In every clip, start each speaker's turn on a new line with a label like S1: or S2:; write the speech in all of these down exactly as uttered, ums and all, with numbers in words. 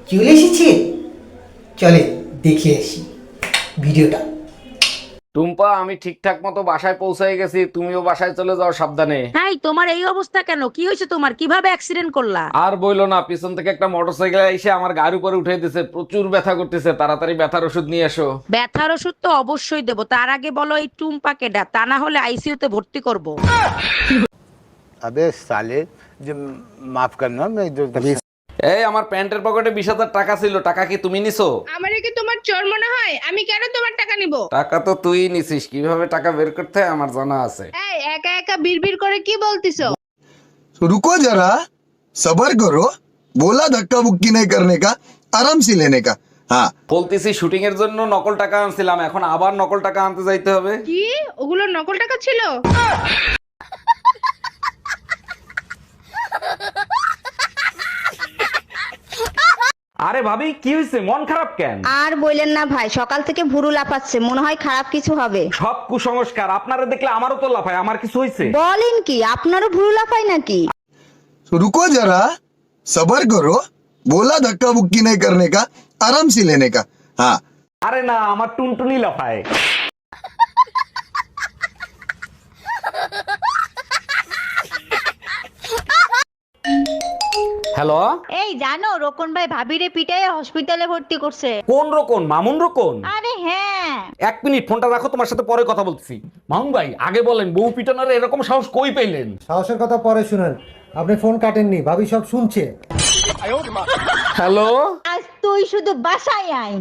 S1: চলে এসেছে, চলে দেখে আসি ভিডিওটা।
S2: টুম্পা, আমি ঠিকঠাক মতো বাসায় পৌঁছাই গেছি, তুমিও বাসায় চলে যাও সাবধানে।
S3: এই তোমার এই অবস্থা কেন? কি হয়েছে তোমার? কিভাবে অ্যাক্সিডেন্ট করলা?
S2: আর বইলো না, পিছন থেকে একটা মোটরসাইকেল এসে আমার গাড়ির উপরে উঠে দিছে, প্রচুর ব্যথা করতেছে, তাড়াতাড়ি ব্যথার ওষুধ নিয়ে এসো।
S3: ব্যথার ওষুধ তো অবশ্যই দেবো, তার আগে বলো এই টুম্পাকে ডা, তা না হলে আইসিইউ তে ভর্তি করব।
S4: अबे साले जो माफ करना मैं जो
S2: এই আমার প্যান্টের পকেটে বিশ হাজার টাকা ছিল, টাকা কি তুমি নিছো?
S5: আমারে কি তোমার চোর মনে হয়? আমি কেন তোমার টাকা নিব?
S2: টাকা তো তুই নিছিস, কিভাবে টাকা বের করতে হয় আমার জানা আছে।
S5: এই একা একা বিড়বিড় করে কি বলতিছো?
S6: रुको जरा सबर करो बोला धक्का बुक्की नहीं करने का आराम से लेने का हाँ
S2: বলতেছি শুটিং এর জন্য নকল টাকা আনছিলাম, এখন আবার নকল টাকা আনতে যাইতে হবে।
S5: কি ওগুলো নকল টাকা ছিল?
S2: আরে ভাবি, কি হয়েছে? মন খারাপ কেন?
S7: আর বললেন না ভাই, সকাল থেকে ভুরু লাফাচ্ছে, মনে হয় খারাপ কিছু হবে।
S2: সব কুসংস্কার, আপনারা দেখলে আমারও তো লাফায়। আমার কিছু হয়েছে?
S7: বলেন কি, আপনারও ভুরু লাফায় নাকি?
S6: रुको जरा सबर करो बोला धक्का बुक्की नहीं करने का आराम से लेने का हाँ
S2: আরে না, আমার টুনটুনি লাফায়। হ্যালো,
S8: এই জানো রোকন ভাই ভাবিরে পিটায় হসপিটালে ভর্তি করছে।
S2: কোন রকম? মামুন রকম?
S8: আরে হ্যাঁ।
S2: এক মিনিট, ফোনটা রাখো, তোমার সাথে পরে কথা বলছি। মামুন ভাই, আগে বলেন বউ পিটানোর এরকম সাহস কই পেলেন?
S9: সাহসের কথা পরে শুনেন, আপনি ফোন কাটেননি, ভাবি সব শুনছে।
S2: হ্যালো,
S8: আজ তুই শুধু বাসায় আয়।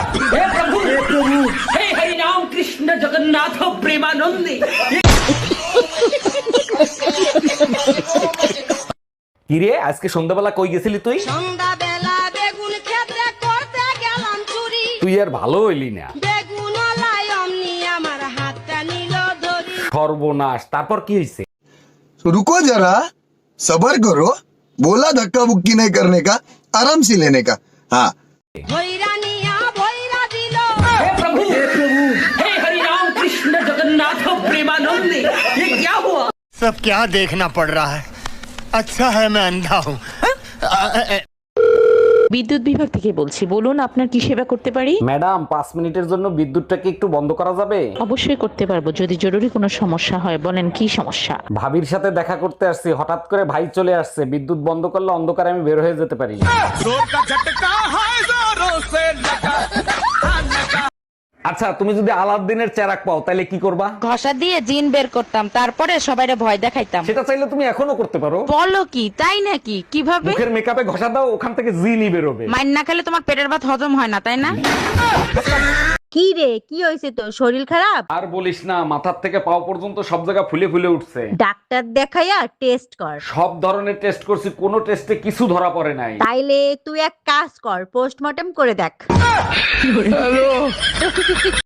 S2: কিরে আজকে সন্ধ্যাবেলা কই গেছিলি তুই?
S7: সন্ধ্যাবেলা বেগুন ক্ষেত্রে করতে গেলাম চুরি,
S2: তুই আর ভালো হইলি না।
S7: বেগুন লাই অমনি আমার হাতটা নিল ধরি।
S2: সর্বনাশ, তারপর কি হয়েছে?
S6: रुको जरा सबर करो बोला धक्का बुक्की नहीं करने का आराम से लेने का हाँ
S7: ভৈরা নিয়া ভৈরা দিল।
S4: सब क्या देखना पड़ रहा है। अच्छा है मैं अंधा हूँ।
S3: বিদ্যুৎ বিভাগ থেকে বলছি, বলুন আপনার কি সেবা করতে পারি?
S2: ম্যাডাম, পাঁচ মিনিটের জন্য বিদ্যুৎটাকে একটু বন্ধ করা যাবে?
S3: অবশ্যই করতে পারবো, যদি জরুরি কোনো সমস্যা হয়। বলেন কি সমস্যা?
S2: ভাবির সাথে দেখা করতে আসছি, হঠাৎ করে ভাই চলে আসছে, বিদ্যুৎ বন্ধ করলে অন্ধকারে আমি বের হয়ে যেতে পারি। আচ্ছা, তুমি যদি আলাদিনের চেরাক পাও তাহলে কি করবা?
S3: ঘষা দিয়ে জিন বের করতাম, তারপরে সবাইরে ভয় দেখাইতাম।
S2: সেটা চাইলে তুমি এখনো করতে পারো।
S3: বলো কি, তাই নাকি? কিভাবে?
S2: মুখের মেকআপে ঘষা দাও, ওখান থেকে জিনই বেরোবে।
S3: মাইন না খেলে তোমার পেটের ভাত হজম হয় না, তাই না?
S8: কি রে, কি হয়েছে তোর? শরীর খারাপ?
S2: আর বলিস না, মাথার থেকে পাও পর্যন্ত সব জায়গা ফুলে ফুলে উঠছে।
S8: ডাক্তার দেখাইয়া টেস্ট কর।
S2: সব ধরনের টেস্ট করছি, কোনো টেস্টে কিছু ধরা পড়ে নাই।
S8: তাইলে তুই এক কাজ কর, পোস্টমর্টম করে দেখ।